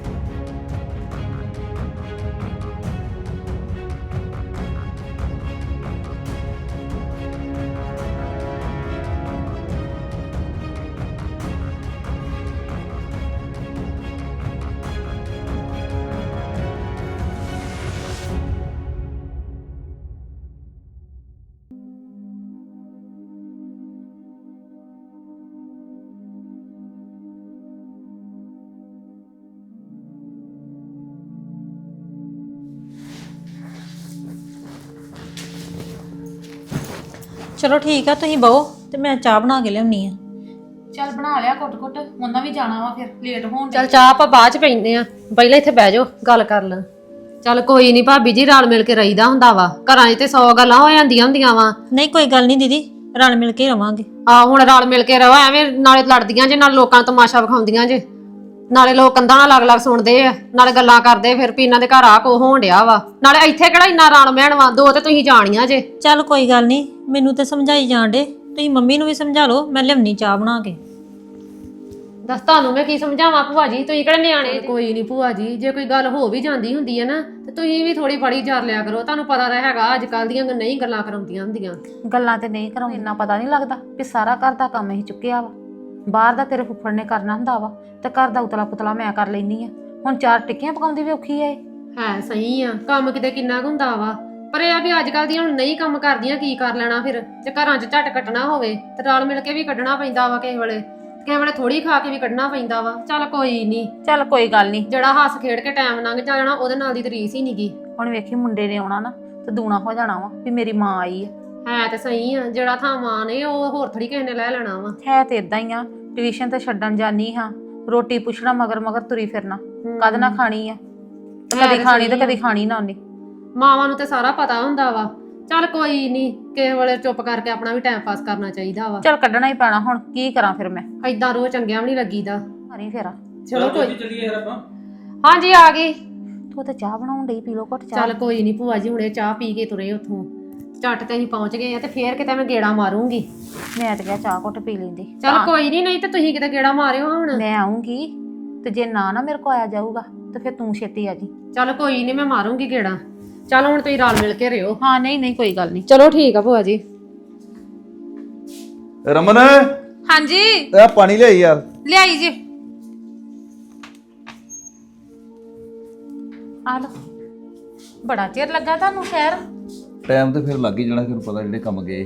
Speaker 4: ਚਲੋ ਠੀਕ ਆ, ਤੁਸੀਂ ਬਹੋ ਤੇ ਮੈਂ ਚਾਹ ਬਣਾ ਕੇ ਲਿਆਉਣੀ ਆ।
Speaker 2: ਚੱਲ ਬਣਾ ਲਿਆ ਘੁੱਟ ਉਹਨਾਂ ਵੀ ਜਾਣਾ ਵਾ ਫਿਰ ਲੇਟ ਹੋਣ
Speaker 3: ਚੱਲ ਚਾਹ ਆਪਾਂ ਬਾਅਦ ਚ ਪੀਂਦੇ ਆ, ਪਹਿਲਾਂ ਇੱਥੇ ਬਹਿ ਜਾਓ ਗੱਲ ਕਰ ਲਾਂ। ਚੱਲ ਕੋਈ ਨਹੀਂ ਭਾਬੀ ਜੀ, ਰਲ ਮਿਲ ਕੇ ਰਹੀਦਾ ਹੁੰਦਾ ਵਾ। ਘਰਾਂ 'ਚ ਤੇ 100 ਗੱਲਾਂ ਹੋ ਜਾਂਦੀਆਂ ਹੁੰਦੀਆਂ ਵਾ।
Speaker 4: ਨਹੀਂ ਕੋਈ ਗੱਲ ਨਹੀਂ ਦੀਦੀ, ਰਲ ਮਿਲ ਕੇ ਰਵਾਂਗੇ।
Speaker 3: ਆ ਹੁਣ ਰਲ ਮਿਲ ਕੇ ਰਹੋ, ਐਵੇਂ ਨਾਲੇ ਲੜਦੀਆਂ ਜੇ, ਨਾਲ ਲੋਕਾਂ ਨੂੰ ਤਮਾਸ਼ਾ ਵਿਖਾਉਂਦੀਆਂ ਜੇ, ਨਾਲੇ ਲੋਕ ਕੰਧਾਂ ਨਾਲ ਅਲੱਗ-ਅਲੱਗ ਸੁਣਦੇ ਆ, ਨਾਲੇ ਗੱਲਾਂ ਕਰਦੇ ਫਿਰ ਵੀ ਇਹਨਾਂ ਦੇ ਘਰ ਆ ਕੋ ਹੋਣ ਡਿਆ ਵਾ। ਨਾਲੇ ਇੱਥੇ ਕਿਹੜਾ ਇੰਨਾ ਰਣ ਮਹਿਣ ਵਾ, ਦੋ ਤੇ ਤੁਸੀਂ ਜਾਣੀਆਂ ਜੇ।
Speaker 4: ਚੱਲ ਕੋਈ ਗੱਲ ਨਹੀਂ, ਮੈਨੂੰ ਤੇ ਸਮਝਾਈ ਜਾਣ ਡੇ, ਤੁਸੀਂ ਮੰਮੀ ਨੂੰ ਵੀ ਸਮਝਾ ਲਓ, ਮੈਂ ਲਿਆਉਣੀ ਚਾਹ ਬਣਾ ਕੇ।
Speaker 3: ਦੱਸ ਤੁਹਾਨੂੰ ਮੈਂ ਕੀ ਸਮਝਾਵਾਂ ਭੂਆ ਜੀ, ਤੁਸੀਂ ਕਿਹੜੇ ਨਿਆਣੇ? ਕੋਈ ਨਹੀਂ ਭੂਆ ਜੀ, ਜੇ ਕੋਈ ਗੱਲ ਹੋ ਵੀ ਜਾਂਦੀ ਹੁੰਦੀ ਹੈ ਨਾ ਤੇ ਤੁਸੀਂ ਵੀ ਥੋੜੀ ਬੜੀ ਜਰ ਲਿਆ ਕਰੋ। ਤੁਹਾਨੂੰ ਪਤਾ ਤਾਂ ਹੈਗਾ ਅੱਜ ਕੱਲ ਦੀਆਂ ਨਹੀਂ ਗੱਲਾਂ ਕਰਾਉਂਦੀਆਂ ਹੁੰਦੀਆਂ।
Speaker 2: ਗੱਲਾਂ ਤੇ ਨਹੀਂ ਕਰਾਉਂ, ਇੰਨਾ ਪਤਾ ਨਹੀਂ ਲੱਗਦਾ ਵੀ ਸਾਰਾ ਘਰ ਦਾ ਕੰਮ ਹੀ ਚੁੱਕਿਆ ਵਾ। ਬਾਹਰ ਦਾ ਤੇਰੇ ਫੁੱਫੜ ਨੇ ਕਰਨਾ ਹੁੰਦਾ ਵਾ ਤੇ ਘਰ ਦਾ ਉਤਲਾ ਪੁਤਲਾ ਮੈਂ ਕਰ ਲੈਣੀ ਆ। ਹੁਣ 4 ਟਿੱਕੀਆਂ ਪਕਾਉਂਦੀ ਵੀ ਔਖੀ ਐ।
Speaker 3: ਹੈ ਸਹੀ ਆ, ਕੰਮ ਕਿਤੇ ਕਿੰਨਾ ਕੁ ਹੁੰਦਾ ਵਾ, ਪਰ ਇਹ ਆ ਵੀ ਅੱਜ ਕੱਲ ਦੀਆਂ ਹੁਣ ਨਹੀਂ ਕੰਮ ਕਰਦੀਆਂ, ਕੀ ਕਰ ਲੈਣਾ ਫਿਰ। ਜੇ ਘਰਾਂ 'ਚ ਝੱਟ ਕੱਟਣਾ ਹੋਵੇ ਤੇ ਰਲ ਮਿਲ ਕੇ ਵੀ ਕੱਢਣਾ ਪੈਂਦਾ ਵਾ, ਕਿਸੇ ਵੇਲੇ ਥੋੜੀ ਖਾ ਕੇ ਵੀ ਕੱਢਣਾ ਪੈਂਦਾ ਵਾ। ਚੱਲ ਕੋਈ ਨਹੀਂ,
Speaker 2: ਚੱਲ ਕੋਈ ਗੱਲ ਨਹੀਂ,
Speaker 3: ਜਿਹੜਾ ਹੱਸ ਖੇਡ ਕੇ ਟਾਈਮ ਲੰਘ ਜਾਣਾ ਉਹਦੇ ਨਾਲ ਦੀ ਤਾਂ ਰੀਸ ਹੀ ਨਹੀਂਗੀ।
Speaker 2: ਹੁਣ ਵੇਖੀ ਮੁੰਡੇ ਨੇ ਆਉਣਾ ਨਾ ਤੇ ਦੂਣਾ ਹੋ ਜਾਣਾ ਵਾ ਵੀ ਮੇਰੀ ਮਾਂ ਆਈ
Speaker 3: ਹੈ ਤੇ ਸਹੀ ਆ, ਜਿਹੜਾ ਥਾਂ ਮਾਂ ਨੇ ਉਹ ਹੋਰ ਥੋੜੀ ਕਿਸੇ ਨੇ ਲੈ ਲੈਣਾ ਵਾ।
Speaker 2: ਹੈ ਤੇ ਇਦਾਂ ਹੀ ਆ। ਟਿਊਸ਼ਨ ਤੇ ਛੱਡਣ ਜਾਨੀ ਹਾਂ, ਰੋਟੀ ਪੁੱਛਣਾ ਮਗਰ ਮਗਰ ਤੁਰੀ ਫਿਰਨਾ, ਕਦ ਨਾ ਖਾਣੀ ਆ ਤੇ ਕਦੀ ਖਾਣੀ ਤੇ ਕਦੀ ਖਾਣੀ ਨਾ ਉਹਨੇ।
Speaker 3: ਮਾਵਾਂ ਨੂੰ ਤੇ ਸਾਰਾ ਪਤਾ ਹੁੰਦਾ ਵਾ। ਚੱਲ ਕੋਈ ਨਹੀਂ, ਕਿਸੇ ਵੇਲੇ ਚੁੱਪ ਕਰਕੇ ਆਪਣਾ ਵੀ ਟਾਈਮ ਪਾਸ ਕਰਨਾ ਚਾਹੀਦਾ ਵਾ।
Speaker 2: ਚੱਲ ਕੱਢਣਾ ਹੀ ਪੈਣਾ, ਹੁਣ ਕੀ ਕਰਾਂ ਫਿਰ ਮੈਂ।
Speaker 3: ਏਦਾਂ ਰੋ ਚੰਗਿਆਂ ਵੀ ਨਹੀਂ ਲੱਗੀਦਾ।
Speaker 2: ਮਾਰੀ ਫੇਰਾ।
Speaker 3: ਚਲੋ ਕੋਈ,
Speaker 7: ਚੱਲੀਏ ਯਾਰ ਆਪਾਂ।
Speaker 3: ਹਾਂਜੀ ਆ ਗਈ।
Speaker 2: ਤੂੰ ਤੇ ਚਾਹ ਬਣਾਉਣ ਡਈ, ਪੀ ਲੋ ਘੁੱਟ ਚਾਹ।
Speaker 3: ਚੱਲ ਕੋਈ ਨਹੀਂ ਭੂਆ ਜੀ, ਹੁਣੇ ਚਾਹ ਪੀ ਕੇ ਤੁਰੇ ਉੱਥੋਂ, ਝੱਟ ਤੇ ਅਸੀਂ ਪਹੁੰਚ ਗਏ ਆ ਤੇ ਫੇਰ ਕਿਤੇ ਮੈਂ ਗੇੜਾ ਮਾਰੂੰਗੀ।
Speaker 2: ਮੈਂ ਤੇ ਕਿਹਾ ਚਾਹ ਘੁੱਟ ਪੀ ਲੈਂਦੀ।
Speaker 3: ਚੱਲ ਕੋਈ ਨਹੀਂ ਤੇ ਤੁਸੀਂ ਕਿਤੇ ਗੇੜਾ ਮਾਰਿਓ ਹੁਣ।
Speaker 2: ਮੈਂ ਆਉਂਗੀ ਤੇ ਜੇ ਨਾ ਮੇਰੇ ਕੋ ਆਇਆ ਜਾਊਗਾ ਤੇ ਫਿਰ ਤੂੰ ਛੇਤੀ ਆ ਜੀ।
Speaker 3: ਚੱਲ ਕੋਈ ਨਹੀਂ, ਮੈਂ ਮਾਰੂੰਗੀ ਗੇੜਾ। ਚੱਲ ਹੁਣ ਤੁਸੀਂ ਰਲ ਮਿਲ ਕੇ ਰਿਓ।
Speaker 2: ਹਾਂ ਨਹੀਂ ਕੋਈ ਗੱਲ ਨਹੀਂ।
Speaker 3: ਚਲੋ ਠੀਕ ਆ ਭੂਆ ਜੀ।
Speaker 8: ਰਮਨ,
Speaker 2: ਹਾਂਜੀ
Speaker 8: ਇਹ ਪਾਣੀ ਲਿਆਈ ਯਾਰ।
Speaker 2: ਲਿਆਈ ਜੀ, ਆ ਲੋ। ਬੜਾ ਚਿਰ ਲੱਗਾ ਤੁਹਾਨੂੰ ਸ਼ਹਿਰ।
Speaker 8: ਟਾਈਮ ਤੇ ਫਿਰ ਲੱਗ ਹੀ ਜਾਣਾ, ਫਿਰ ਪਤਾ ਜਿਹੜੇ ਕੰਮ ਗਏ।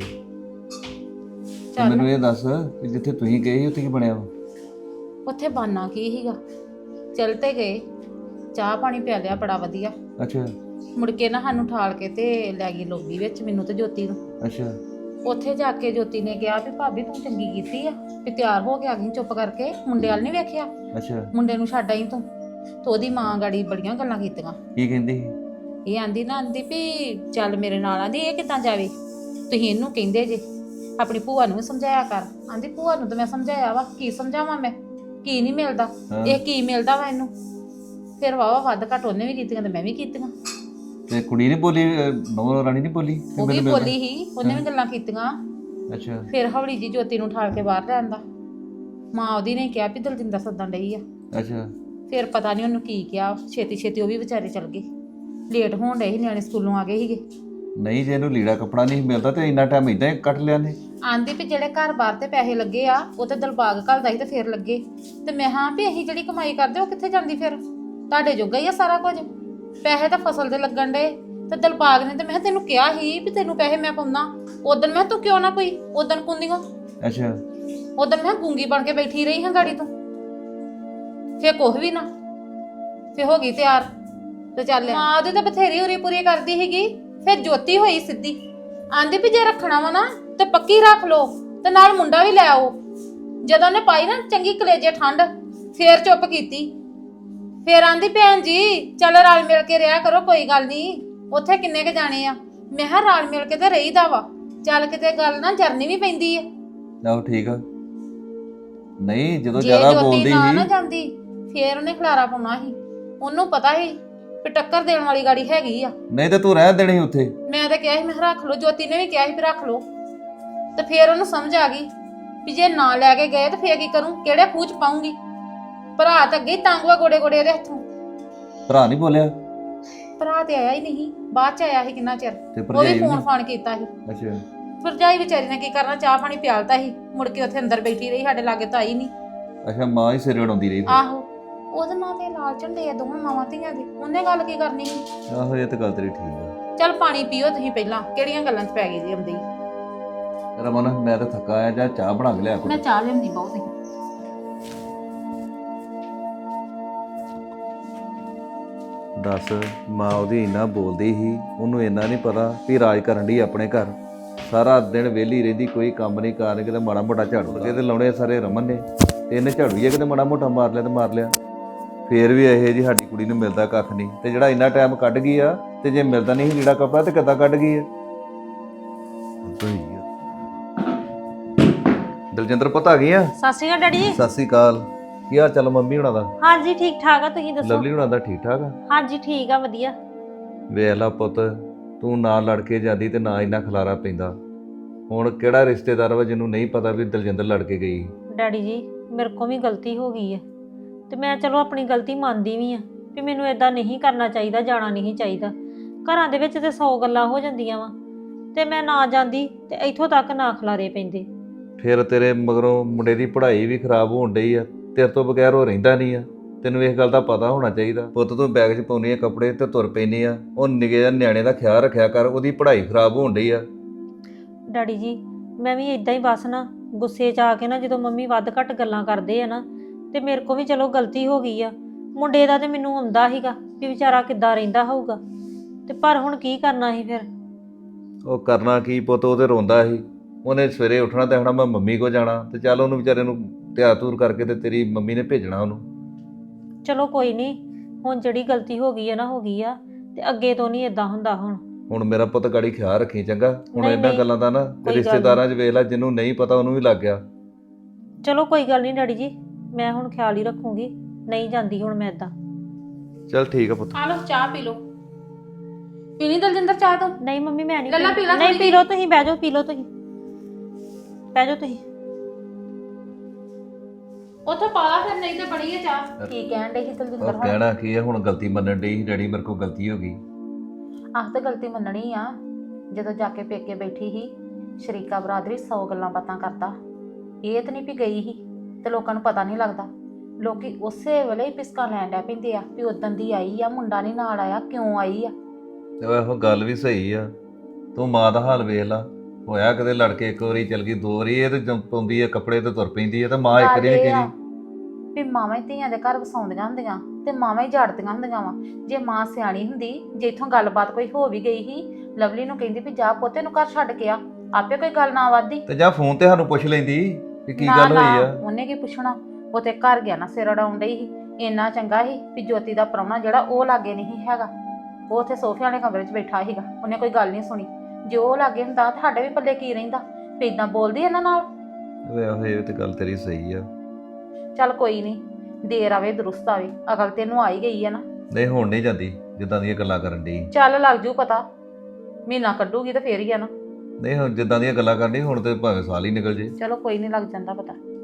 Speaker 8: ਤੇ ਮੈਨੂੰ ਇਹ ਦੱਸ ਕਿ ਜਿੱਥੇ ਤੁਸੀਂ ਗਏ ਸੀ ਉੱਥੇ ਕੀ ਬਣਿਆ ਵਾ?
Speaker 2: ਉੱਥੇ ਬਾਨਾ ਕੀ ਸੀਗਾ, ਚੱਲ ਤੇ ਗਏ, ਚਾਹ ਪਾਣੀ ਪਿਆ ਲਿਆ ਬੜਾ ਵਧੀਆ।
Speaker 8: ਅੱਛਾ
Speaker 2: ਮੁੜ ਕੇ ਨਾ ਸਾਨੂੰ ਠਾਲ ਕੇ ਤੇ ਲੈ ਗਈ ਲੋਬੀ ਵਿੱਚ, ਮੈਨੂੰ ਤੇ ਜੋਤੀ ਨੂੰ।
Speaker 8: ਅੱਛਾ
Speaker 2: ਉੱਥੇ ਜਾ ਕੇ ਜੋਤੀ ਨੇ ਕਿਹਾ ਵੀ ਭਾਬੀ ਤੂੰ ਚੰਗੀ ਕੀਤੀ ਆ ਵੀ ਤਿਆਰ ਹੋ ਕੇ ਆ ਗਈ ਚੁੱਪ ਕਰਕੇ, ਮੁੰਡੇ ਵੱਲ ਨਹੀਂ ਵੇਖਿਆ,
Speaker 8: ਅੱਛਾ।
Speaker 2: ਮੁੰਡੇ ਨੂੰ ਛੱਡ ਆਈ ਤੂੰ। ਤੇ ਉਹਦੀ ਮਾਂ ਗਾੜੀ ਬੜੀਆਂ ਗੱਲਾਂ ਕੀਤੀਆਂ।
Speaker 8: ਕੀ ਕਹਿੰਦੀ ਸੀ?
Speaker 2: ਇਹ ਆਂਦੀ ਵੀ ਚੱਲ ਮੇਰੇ ਨਾਲ। ਆਂਦੀ ਇਹ ਕਿੱਦਾਂ ਜਾਵੇ, ਤੁਸੀਂ ਇਹਨੂੰ ਕਹਿੰਦੇ ਜੇ। ਆਪਣੀ ਭੂਆ ਨੂੰ ਵੀ ਸਮਝਾਇਆ ਕਰ। ਆਂਦੀ ਭੂਆ ਨੂੰ ਤਾਂ ਮੈਂ ਸਮਝਾਇਆ ਵਾ, ਕੀ ਸਮਝਾਵਾਂ ਮੈਂ, ਕੀ ਨਹੀਂ ਮਿਲਦਾ, ਇਹ ਕੀ ਮਿਲਦਾ ਵਾ ਇਹਨੂੰ। ਫਿਰ ਵਾਵਾ ਵੱਧ ਘੱਟ ਉਹਨੇ ਵੀ ਕੀਤੀਆਂ ਤੇ ਮੈਂ ਵੀ ਕੀਤੀਆਂ।
Speaker 8: ਤੇ ਕੁੜੀ ਨਹੀਂ ਬੋਲੀ, ਨੌ ਰਾਣੀ ਨਹੀਂ ਬੋਲੀ?
Speaker 2: ਉਹ ਵੀ ਬੋਲੀ ਹੀ, ਉਹਨੇ ਵੀ ਗੱਲਾਂ ਕੀਤੀਆਂ।
Speaker 8: ਅੱਛਾ।
Speaker 2: ਫਿਰ ਹੌਲੀ ਜੀ ਜੋਤੀ ਨੂੰ ਠਾਲ ਕੇ ਬਾਹਰ ਲਿਆਂਦਾ। ਮਾਂ ਉਹਦੀ ਨੇ ਕਿਹਾ ਵੀ ਦਲਜਿੰਦਰ ਸੱਦਣ ਡਈ ਆ।
Speaker 8: ਅੱਛਾ।
Speaker 2: ਫਿਰ ਪਤਾ ਨਹੀਂ ਉਹਨੂੰ ਕੀ ਕਿਹਾ, ਛੇਤੀ ਛੇਤੀ ਉਹ ਵੀ ਵਿਚਾਰੇ ਚਲ ਗਏ। ਲੇਟ ਹੋਣ ਡਏ ਸੀ, ਨਿਆਣੇ ਸਕੂਲੋਂ ਆ ਗਏ ਸੀਗੇ।
Speaker 8: ਨਹੀਂ, ਜੇ ਇਹਨੂੰ ਲੀੜਾ ਕੱਪੜਾ ਨਹੀਂ ਮਿਲਦਾ ਤੇ ਇੰਨਾ ਟਾਈਮ ਇਦਾਂ ਹੀ ਕੱਟ ਲਿਆ ਨੇ।
Speaker 2: ਆਂਦੀ ਵੀ ਜਿਹੜੇ ਘਰ ਬਾਹਰ ਤੇ ਪੈਸੇ ਲੱਗੇ ਆ ਉਹ ਤੇ ਦਿਲਬਾਗ ਘੱਲਦਾ ਸੀ ਤੇ ਫਿਰ ਲੱਗੇ, ਤੇ ਮੈਂ ਹਾਂ ਵੀ ਅਸੀਂ ਜਿਹੜੀ ਕਮਾਈ ਕਰਦੇ ਉਹ ਕਿੱਥੇ ਜਾਂਦੀ, ਫਿਰ ਤੁਹਾਡੇ ਜੋਗਾ ਹੀ ਆ ਸਾਰਾ ਕੁਝ। ਪੈਸੇ ਤਾਂ ਫਸਲ ਦੇ ਲੱਗਣ ਡੇ ਤੇ ਦਿਲਬਾਗ ਨੇ ਤੇ ਮੈਂ ਤੈਨੂੰ ਕਿਹਾ ਸੀ ਵੀ ਤੈਨੂੰ ਪੈਸੇ ਮੈਂ ਪਾਉਣਾ। ਉਦੋਂ ਮੈਂ ਤੂੰ ਕਿਉਂ ਨਾ ਕੋਈ ਉਦੋਂ ਕੁੰਦੀਆਂ।
Speaker 8: ਅੱਛਾ।
Speaker 2: ਉਦੋਂ ਮੈਂ ਗੂੰਗੀ ਬਣ ਕੇ ਬੈਠੀ ਰਹੀ ਹਾਂ ਗਾੜੀ ਤੋਂ। ਫੇਰ ਕੁਛ ਵੀ ਨਾ, ਫੇਰ ਹੋ ਗਈ ਤਿਆਰ ਤੇ ਚੱਲ। ਮਾਂ ਉਹਦੀ ਤਾਂ ਬਥੇਰੀ ਉਰੀ ਪੂਰੀ ਕਰਦੀ ਸੀਗੀ। ਫਿਰ ਜੋਤੀ ਹੋਈ ਸਿੱਧੀ, ਆਂਦੀ ਵੀ ਜੇ ਰੱਖਣਾ ਵਾ ਨਾ ਤੇ ਪੱਕੀ ਰੱਖ ਲੋ ਤੇ ਨਾਲ ਮੁੰਡਾ ਵੀ ਲੈ ਆਓ। ਜਦੋਂ ਉਹਨੇ ਪਾਈ ਨਾ ਚੰਗੀ ਕਲੇਜੇ ਠੰਡ, ਫੇਰ ਚੁੱਪ ਕੀਤੀ। ਫੇਰ ਆਂਦੀ ਭੈਣ ਜੀ ਚੱਲ ਰਲ ਮਿਲ ਕੇ ਰਿਹਾ ਕਰੋ, ਕੋਈ ਗੱਲ ਨਹੀਂ, ਉੱਥੇ ਕਿੰਨੇ ਕ ਜਾਣੇ ਆ। ਮੈਂ ਕਿਹਾ ਰਲ ਮਿਲ ਕੇ ਤੇ ਰਹੀਦਾ ਵਾ, ਚੱਲ ਕਿਤੇ ਗੱਲ ਨਾ ਜਰਨੀ ਵੀ ਪੈਂਦੀ ਆ।
Speaker 8: ਆਹੋ ਠੀਕ ਆ। ਨਹੀਂ ਜਦੋਂ
Speaker 2: ਜੇ
Speaker 8: ਜ਼ਿਆਦਾ
Speaker 2: ਜੋਤੀ
Speaker 8: ਬੋਲਦੀ
Speaker 2: ਨਾ
Speaker 8: ਸੀ
Speaker 2: ਜਾਂਦੀ ਫੇਰ ਉਹਨੇ ਖਲਾਰਾ ਪਾਉਣਾ ਸੀ। ਉਹਨੂੰ ਪਤਾ ਸੀ ਵੀ ਟੱਕਰ ਦੇਣ ਵਾਲੀ ਗਾੜੀ ਹੈਗੀ ਆ।
Speaker 8: ਨਹੀਂ ਤੇ ਤੂੰ ਰਹਿ ਦੇਣੀ ਸੀ ਉੱਥੇ।
Speaker 2: ਮੈਂ ਤਾਂ ਕਿਹਾ ਸੀ ਮੈਂ ਰੱਖ ਲਓ, ਜੋਤੀ ਨੇ ਵੀ ਕਿਹਾ ਸੀ ਵੀ ਰੱਖ ਲਓ। ਤੇ ਫੇਰ ਉਹਨੂੰ ਸਮਝ ਆ ਗਈ ਵੀ ਜੇ ਨਾ ਲੈ ਕੇ ਗਏ ਤੇ ਫੇਰ ਕੀ ਕਰੂੰ, ਕਿਹੜੇ ਖੂਚ ਪਾਉਂਗੀ। ਭਰਾ ਤਾਂ ਅੱਗੇ ਤੰਗਵਾ ਗੋੜੇ ਗੋੜੇ ਇਹਦੇ ਹੱਥੋਂ।
Speaker 8: ਭਰਾ ਨਹੀਂ ਬੋਲਿਆ?
Speaker 2: ਭਰਾ ਤੇ ਆਇਆ ਹੀ ਨਹੀਂ, ਬਾਅਦ ਚ ਆਇਆ ਸੀ ਕਿੰਨਾ ਚਿਰ।
Speaker 8: ਤੇ
Speaker 2: ਉਹ
Speaker 8: ਭਰਜਾਈ
Speaker 2: ਵੀ
Speaker 8: ਵੀ
Speaker 2: ਫੋਨ ਫਾਨ ਕੀਤਾ ਸੀ।
Speaker 8: ਅੱਛਾ।
Speaker 2: ਭਰਜਾਈ ਵਿਚਾਰੀ ਨੇ ਕੀ ਕਰਨਾ, ਚਾਹ ਪਾਣੀ ਪਿਆਲਤਾ ਸੀ, ਮੁੜ ਕੇ ਉੱਥੇ ਅੰਦਰ ਬੈਠੀ ਰਹੀ, ਸਾਡੇ ਲਾਗੇ ਤਾਂ ਆਈ ਨਹੀਂ।
Speaker 8: ਅੱਛਾ, ਮਾਂ ਹੀ ਸਿਰ ਉਡਾਉਂਦੀ ਰਹੀ ਫਿਰ।
Speaker 2: ਆਹੋ, ਉਹਦੇ ਨਾਂ ਤੇ ਲਾਲ ਝੰਡੇ ਆ ਦੋਵਾਂ ਮਾਵਾਂ ਧੀਆਂ ਦੇ, ਉਹਨੇ ਗੱਲ ਕੀ ਕਰਨੀ ਸੀ।
Speaker 8: ਆਹੋ ਇਹ ਤਾਂ ਗੱਲ ਤੇਰੀ ਠੀਕ ਆ।
Speaker 2: ਚੱਲ ਪਾਣੀ ਪੀਓ ਤੁਸੀਂ ਪਹਿਲਾਂ, ਕਿਹੜੀਆਂ ਗੱਲਾਂ 'ਚ ਪੈ ਗਈ ਜੀ ਆਉਂਦੀ।
Speaker 8: ਰਮਨ ਮੈਂ ਤਾਂ ਥੱਕਾ ਆਇਆ, ਜਾਂ ਚਾਹ ਬਣਾ ਕੇ ਲਿਆ
Speaker 2: ਮੈਂ
Speaker 8: ਕੋਈ।
Speaker 2: ਚਾਹ ਲਿਆਉਂਦੀ ਬਹੁਤ ਹੀ।
Speaker 8: ਦੱਸ, ਮਾਂ ਉਹਦੀ ਇੰਨਾ ਬੋਲਦੀ ਸੀ, ਉਹਨੂੰ ਇੰਨਾ ਨਹੀਂ ਪਤਾ ਵੀ ਰਾਜ ਕਰਨ ਦੀ ਆਪਣੇ ਘਰ। ਸਾਰਾ ਦਿਨ ਵਿਹਲੀ ਰਹਿੰਦੀ, ਕੋਈ ਕੰਮ ਨਹੀਂ ਕਾਰ ਨਹੀਂ, ਕਿਤੇ ਮਾੜਾ ਮੋਟਾ ਝਾੜੂ ਲੱਗੇ ਤੇ ਲਾਉਣੇ ਸਾਰੇ ਰਮਨ ਨੇ, ਤੇ ਇਹਨੇ ਝਾੜੂ ਹੀ ਕਿਤੇ ਮਾੜਾ ਮੋਟਾ ਮਾਰ ਲਿਆ ਤੇ ਮਾਰ ਲਿਆ। ਫੇਰ ਵੀ ਇਹ ਜੀ ਸਾਡੀ ਕੁੜੀ ਨੂੰ ਮਿਲਦਾ ਕੱਖ ਨਹੀਂ, ਤੇ ਜਿਹੜਾ ਇੰਨਾ ਟਾਈਮ ਕੱਢ ਗਈ ਆ, ਤੇ ਜੇ ਮਿਲਦਾ ਨਹੀਂ ਲੀੜਾ ਕੱਪੜਾ ਤੇ ਕਿੱਦਾਂ ਕੱਢ ਗਈ ਆ। ਦਲਜਿੰਦਰ ਪੁੱਤ ਆ ਗਈ ਆ?
Speaker 4: ਸਤਿ ਸ਼੍ਰੀ ਅਕਾਲ ਡੈਡੀ ਜੀ।
Speaker 8: ਸਤਿ ਸ੍ਰੀ ਅਕਾਲ। ਕੀ ਹਾਲ ਚਾਲ ਮੰਮੀ ਹੁਣਾਂ ਦਾ?
Speaker 4: ਹਾਂਜੀ ਠੀਕ ਠਾਕ ਆ, ਤੁਸੀਂ ਦੱਸੋ?
Speaker 8: ਲਵਲੀ ਹੁਣਾਂ ਦਾ ਠੀਕ ਠਾਕ ਆ?
Speaker 4: ਹਾਂਜੀ ਠੀਕ ਆ, ਵਧੀਆ।
Speaker 8: ਵੇਖ ਲਾ ਪੁੱਤ, ਤੂੰ ਨਾ ਲੜ ਕੇ ਜਾਂਦੀ ਤੇ ਨਾ ਇੰਨਾ ਖਲਾਰਾ ਪੈਂਦਾ। ਹੁਣ ਕਿਹੜਾ ਰਿਸ਼ਤੇਦਾਰ ਵਾ ਜਿਹਨੂੰ ਨਹੀਂ ਪਤਾ ਵੀ ਦਲਜਿੰਦਰ ਲੜ ਕੇ ਗਈ?
Speaker 4: ਡੈਡੀ ਜੀ ਮੇਰੇ ਕੋਲ ਵੀ ਗਲਤੀ ਹੋ ਗਈ ਹੈ, ਤੇ ਮੈਂ ਚਲੋ ਆਪਣੀ ਗਲਤੀ ਮੰਨਦੀ ਵੀ ਆ ਵੀ ਮੈਨੂੰ ਇਦਾਂ ਨਹੀਂ ਕਰਨਾ ਚਾਹੀਦਾ, ਜਾਣਾ ਨਹੀਂ ਚਾਹੀਦਾ। ਘਰਾਂ ਦੇ ਵਿੱਚ ਤੇ 100 ਗੱਲਾਂ ਹੋ ਜਾਂਦੀਆਂ ਵਾ, ਤੇ ਮੈਂ ਨਾ ਜਾਂਦੀ ਤੇ ਇੱਥੋਂ ਤੱਕ ਨਾ ਖਲਾਰੇ ਪੈਂਦੇ।
Speaker 8: ਫਿਰ ਤੇਰੇ ਮਗਰੋਂ ਮੁੰਡੇ ਦੀ ਪੜ੍ਹਾਈ ਵੀ ਖਰਾਬ ਹੋਣ ਡਈ ਆ, ਤੇਰੇ ਤੋਂ ਬਗੈਰ ਉਹ ਰਹਿੰਦਾ ਨਹੀਂ ਆ। ਤੈਨੂੰ ਇਸ ਗੱਲ ਦਾ ਪਤਾ ਹੋਣਾ ਚਾਹੀਦਾ। ਪੁੱਤ ਤੂੰ ਬੈਗ 'ਚ ਪਾਉਣੀ ਆ ਕੱਪੜੇ ਤੇ ਤੁਰ ਪੈਂਦੀ ਆ, ਉਹ ਨਿੱਕੇ ਜਿਹੇ ਨਿਆਣੇ ਦਾ ਖਿਆਲ ਰੱਖਿਆ ਕਰ, ਉਹਦੀ ਪੜ੍ਹਾਈ ਖਰਾਬ ਹੋਣ ਡਈ ਆ।
Speaker 4: ਡੈਡੀ ਜੀ ਮੈਂ ਵੀ ਇਦਾਂ ਹੀ ਬਸ ਨਾ ਗੁੱਸੇ 'ਚ ਆ ਕੇ ਨਾ, ਜਦੋਂ ਮੰਮੀ ਵੱਧ ਘੱਟ ਗੱਲਾਂ ਕਰਦੇ ਆ ਨਾ, ਤੇ ਮੇਰੇ ਕੋ ਵੀ ਚਲੋ ਗਲਤੀ ਹੋ ਗਈ ਆ। ਮੁੰਡੇ ਦਾ ਤੇ ਮੈਨੂੰ ਆਉਂਦਾ ਸੀਗਾ ਵੀ ਵਿਚਾਰਾ ਕਿੱਦਾਂ ਰਹਿੰਦਾ ਹੋਊਗਾ, ਤੇ ਪਰ ਹੁਣ ਕੀ ਕਰਨਾ ਸੀ ਫਿਰ?
Speaker 8: ਉਹ ਕਰਨਾ ਕੀ ਪੁੱਤ, ਉਹ ਤੇ ਰੋਂਦਾ ਸੀ। ਉਹਨੇ ਸਵੇਰੇ ਉੱਠਣਾ ਤੇ ਆਖਣਾ ਮੈਂ ਮੰਮੀ ਕੋ ਜਾਣਾ, ਤੇ ਚੱਲ ਉਹਨੂੰ ਵਿਚਾਰੇ ਨੂੰ ਤਿਆਰ ਤੂਰ ਕਰਕੇ ਤੇ ਤੇਰੀ ਮੰਮੀ ਨੇ ਭੇਜਣਾ ਉਹਨੂੰ।
Speaker 4: ਚਲੋ ਕੋਈ ਨਹੀਂ, ਹੁਣ ਜਿਹੜੀ ਗਲਤੀ ਹੋ ਗਈ ਆ ਨਾ ਹੋ ਗਈ ਆ, ਤੇ ਅੱਗੇ ਤੋਂ ਨਹੀਂ ਇਦਾਂ ਹੁੰਦਾ ਹੁਣ
Speaker 8: ਮੇਰਾ ਪੁੱਤ ਗਾੜੀ ਖਿਆਲ ਰੱਖੀ ਚੰਗਾ। ਹੁਣ
Speaker 4: ਨਹੀਂ,
Speaker 8: ਇਹਨਾਂ
Speaker 4: ਨਹੀਂ,
Speaker 8: ਗੱਲਾਂ ਦਾ ਨਾ
Speaker 4: ਗੱਲ
Speaker 8: ਰਿਸ਼ਤੇਦਾਰਾਂ 'ਚ ਵੇਖ ਲੈ, ਜਿਹਨੂੰ ਨਹੀਂ ਪਤਾ ਉਹਨੂੰ ਵੀ ਲੱਗ ਗਿਆ।
Speaker 4: ਚਲੋ ਕੋਈ ਗੱਲ ਨਹੀਂ ਡੈਡੀ ਜੀ, ਮੈਂ ਹੁਣ ਖਿਆਲ ਹੀ ਰੱਖੂੰਗੀ, ਨਹੀਂ ਜਾਂਦੀ ਹੁਣ ਮੈਂ ਇਦਾਂ।
Speaker 8: ਚੱਲ ਠੀਕ ਆ ਪੁੱਤ।
Speaker 2: ਆ ਲਓ ਚਾਹ ਪੀ ਲਓ। ਪੀਣੀ ਦਲਜਿੰਦਰ ਚਾਹ ਤੋਂ?
Speaker 4: ਨਹੀਂ ਮੰਮੀ ਮੈਂ ਨਹੀਂ
Speaker 2: ਲੱਲਾ ਪੀ ਲਾ
Speaker 4: ਨਹੀਂ,
Speaker 2: ਥੋੜ੍ਹੀ
Speaker 4: ਪੀ ਲਓ ਤੁਸੀਂ, ਬਹਿ ਜਾਓ, ਪੀ ਲਓ ਤੁਸੀਂ, ਬਹਿ ਜਾਓ ਤੁਸੀਂ।
Speaker 2: ਉੱਥੇ ਪਾ ਲਾ ਫਿਰ, ਨਹੀਂ ਤੇ ਬਣੀ ਹੈ ਚਾਹ। ਕੀ ਕਹਿਣ ਡਈ ਸੀ ਦਲਜਿੰਦਰ
Speaker 8: ਉਹ
Speaker 2: ਹੁਣ?
Speaker 8: ਕਹਿਣਾ ਕੀ ਆ, ਹੁਣ ਗਲਤੀ ਮੰਨਣ ਡਈ ਡੈਡੀ, ਮੇਰੇ ਕੋਲ ਗਲਤੀ ਹੋ ਗਈ।
Speaker 2: ਆਹ ਤਾਂ ਗਲਤੀ ਮੰਨਣੀ ਆ। ਜਦੋਂ ਜਾ ਕੇ ਪੇਕੇ ਬੈਠੀ ਸੀ, ਸ਼ਰੀਕਾ ਬਰਾਦਰੀ 100 ਗੱਲਾਂ ਬਾਤਾਂ ਕਰਦਾ। ਇਹ ਤਾਂ ਨਹੀਂ ਵੀ ਗਈ ਸੀ ਤੇ ਲੋਕਾਂ ਨੂੰ ਪਤਾ ਨਹੀਂ ਲੱਗਦਾ। ਲੋਕੀ ਉਸੇ ਵੇਲੇ ਹੀ ਪਿਸਕਾਂ ਲੈਣ ਡੈ ਪੈਂਦੇ ਆ ਵੀ ਉਦੋਂ ਦੀ ਆਈ ਆ, ਮੁੰਡਾ ਨਹੀਂ ਨਾਲ ਆਇਆ, ਕਿਉਂ ਆਈ ਆ।
Speaker 8: ਤੇ ਉਹ ਗੱਲ ਵੀ ਸਹੀ ਆ। ਤੂੰ ਮਾਂ ਦਾ ਹਾਲ ਵੇਖ ਲਾ, ਹੋਇਆ ਕਦੇ ਲੜ ਕੇ ਇੱਕ ਵਾਰੀ ਚਲ ਗਈ, 2 ਵਾਰੀ ਇਹ ਤੇ ਪਾਉਂਦੀ ਆ ਕੱਪੜੇ ਤੇ ਤੁਰ ਪੈਂਦੀ ਆ, ਤੇ ਮਾਂ ਇੱਕ ਵਾਰੀ ਨਹੀਂ ਕਹਿੰਦੀ
Speaker 2: ਵੀ ਮਾਵਾਂ ਹੀ ਧੀਆਂ ਦੇ ਘਰ ਵਸਾਉਂਦੀਆਂ ਹੁੰਦੀਆਂ ਤੇ ਮਾਵਾਂ ਹੀ ਝਾੜਦੀਆਂ ਹੁੰਦੀਆਂ ਵਾ। ਜੇ ਮਾਂ ਸਿਆਣੀ ਹੁੰਦੀ, ਜੇ ਇੱਥੋਂ ਗੱਲਬਾਤ ਕੋਈ ਹੋ ਵੀ ਗਈ ਸੀ, ਲਵਲੀ ਨੂੰ ਕਹਿੰਦੀ ਵੀ ਜਾ ਪੋਤੇ ਨੂੰ ਘਰ ਛੱਡ ਕੇ ਆ, ਆਪੇ ਕੋਈ ਗੱਲ ਨਾ ਵੱਧਦੀ।
Speaker 8: ਤੇ ਜਾਂ ਫੋਨ ਤੇ ਸਾਨੂੰ ਪੁੱਛ ਲੈਂਦੀ ਕਿ ਕੀ
Speaker 2: ਨਾ
Speaker 8: ਗੱਲ
Speaker 2: ਨਾ,
Speaker 8: ਹੋਈ ਆ।
Speaker 2: ਉਹਨੇ ਕੀ ਪੁੱਛਣਾ, ਉਹ ਤੇ ਘਰ ਗਿਆ ਨਾ ਸਿਰ ਅੜਾਉਣ ਡਈ ਸੀ। ਇੰਨਾ ਚੰਗਾ ਸੀ ਵੀ ਜੋਤੀ ਦਾ ਪ੍ਰਾਹੁਣਾ ਜਿਹੜਾ ਉਹ ਲਾਗੇ ਨਹੀਂ ਹੈਗਾ, ਉਹ ਉੱਥੇ ਸੋਫੇ ਵਾਲੇ ਕਮਰੇ 'ਚ ਬੈਠਾ ਸੀਗਾ, ਉਹਨੇ ਕੋਈ ਗੱਲ ਨਹੀਂ ਸੁਣੀ। ਜੇ ਉਹ ਲਾਗੇ ਹੁੰਦਾ ਤਾਂ ਸਾਡੇ ਵੀ ਪੱਲੇ ਕੀ ਰਹਿੰਦਾ, ਵੀ ਇਦਾਂ ਬੋਲਦੀ ਇਹਨਾਂ ਨਾਲ।
Speaker 8: ਵੇ ਇਹ ਤੇ ਗੱਲ ਤੇਰੀ ਸਹੀ ਆ।
Speaker 2: ਚੱਲ ਕੋਈ ਨਹੀਂ, ਦੇਰ ਆਵੇ ਦਰੁਸਤ ਆਵੇ, ਅਕਲ ਤੈਨੂੰ ਆਈ ਗਈ ਆ ਨਾ।
Speaker 8: ਨਹੀਂ ਹੁਣ ਨਹੀਂ ਜਾਂਦੀ ਜਿੱਦਾਂ ਦੀਆਂ ਗੱਲਾਂ ਕਰਨ ਡਈ।
Speaker 2: ਚੱਲ ਲੱਗ ਜੂ ਪਤਾ, ਮਹੀਨਾ ਕੱਢੂਗੀ ਤਾਂ ਫੇਰ ਹੀ ਆ ਨਾ।
Speaker 8: ਨਹੀਂ ਹੁਣ ਜਿੱਦਾਂ ਦੀਆਂ ਗੱਲਾਂ ਕਰਨੀ, ਹੁਣ ਤੇ ਭਾਵੇਂ ਸਾਲ ਹੀ ਨਿਕਲ ਜੇ।
Speaker 2: ਚਲੋ ਕੋਈ ਨਹੀਂ, ਲੱਗ ਜਾਂਦਾ ਪਤਾ।